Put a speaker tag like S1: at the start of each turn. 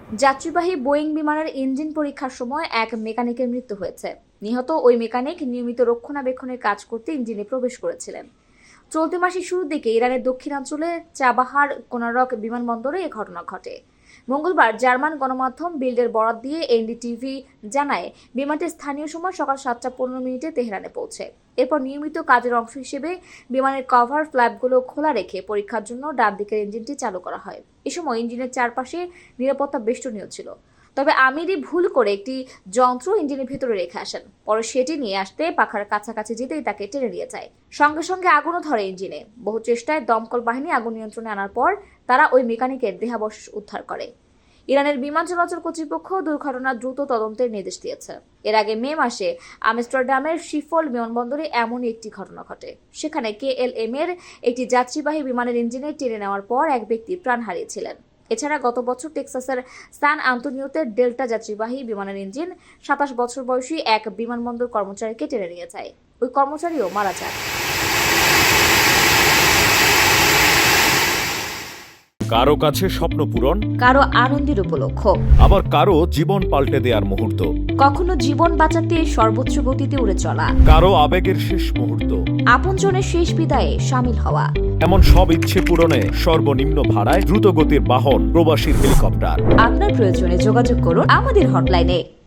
S1: যাত্রীবাহী বোয়িং বিমানের ইঞ্জিন পরীক্ষার সময় এক মেকানিকের মৃত্যু হয়েছে। নিহত ওই মেকানিক নিয়মিত রক্ষণাবেক্ষণের কাজ করতে ইঞ্জিনে প্রবেশ করেছিলেন। চলতি মাসের শুরুর দিকে ইরানের দক্ষিণাঞ্চলে চাবাহার কোনারক বিমানবন্দরে এ ঘটনা ঘটে। মঙ্গলবার জার্মান গণমাধ্যম বিল্ডের বরাত দিয়ে এনডিটিভি জানায়, বিমানটি স্থানীয় সময় সকাল 7:15 তেহরানে পৌঁছে। এরপর নিয়মিত কাজের অংশ হিসেবে বিমানের কভার ফ্ল্যাপগুলো খোলা রেখে পরীক্ষার জন্য ডান দিকের ইঞ্জিনটি চালু করা হয়। এ সময় ইঞ্জিনের চারপাশে নিরাপত্তা বেষ্টনীও ছিল। তবে আমিরই ভুল করে একটি যন্ত্র ইঞ্জিনের ভেতরে রেখে আসেন। পরে সেটি নিয়ে আসতে পাখার কাছাকাছি যেতেই তাকে টেনে নিয়ে যায়। সঙ্গে সঙ্গে আগুনও ধরে ইঞ্জিনে। বহু চেষ্টায় দমকল বাহিনী আগুন নিয়ন্ত্রণে আনার পর তারা ওই মেকানিকের দেহাবশেষ উদ্ধার করে। ইরানের বিমান চলাচল কর্তৃপক্ষ দুর্ঘটনার দ্রুত তদন্তের নির্দেশ দিয়েছে। এর আগে মে মাসে আমস্টারডামের শিফল বিমানবন্দরে এমনই একটি ঘটনা ঘটে। সেখানে কেএলএম এর একটি যাত্রীবাহী বিমানের ইঞ্জিনে টেনে নেওয়ার পর এক ব্যক্তি প্রাণ হারিয়েছিলেন। এছাড়া গত বছর টেক্সাসের সান আন্তোনিওতে ডেল্টা যাত্রীবাহী বিমানের ইঞ্জিন 27 বছর বয়সী এক বিমানবন্দর কর্মচারীকে টেনে নিয়ে যায়। ওই কর্মচারীও মারা যান।
S2: কারো কাছে স্বপ্ন পূরণ,
S1: কারো আনন্দের উপলক্ষ,
S2: আবার কারো জীবন পাল্টে দেওয়ার মুহূর্ত,
S1: কখনো জীবন বাঁচাতে সর্বোচ্চ গতিতে উড়ে চলা,
S2: কারো আবেগের শেষ মুহূর্ত,
S1: আপনজনের শেষ বিদায়ে শামিল হওয়া।
S2: এমন সব ইচ্ছে পূরণে সর্বনিম্ন ভাড়ায় দ্রুতগতির বাহন প্রবাসীর হেলিকপ্টার।
S1: আপনার প্রয়োজনে যোগাযোগ করুন আমাদের হটলাইনে।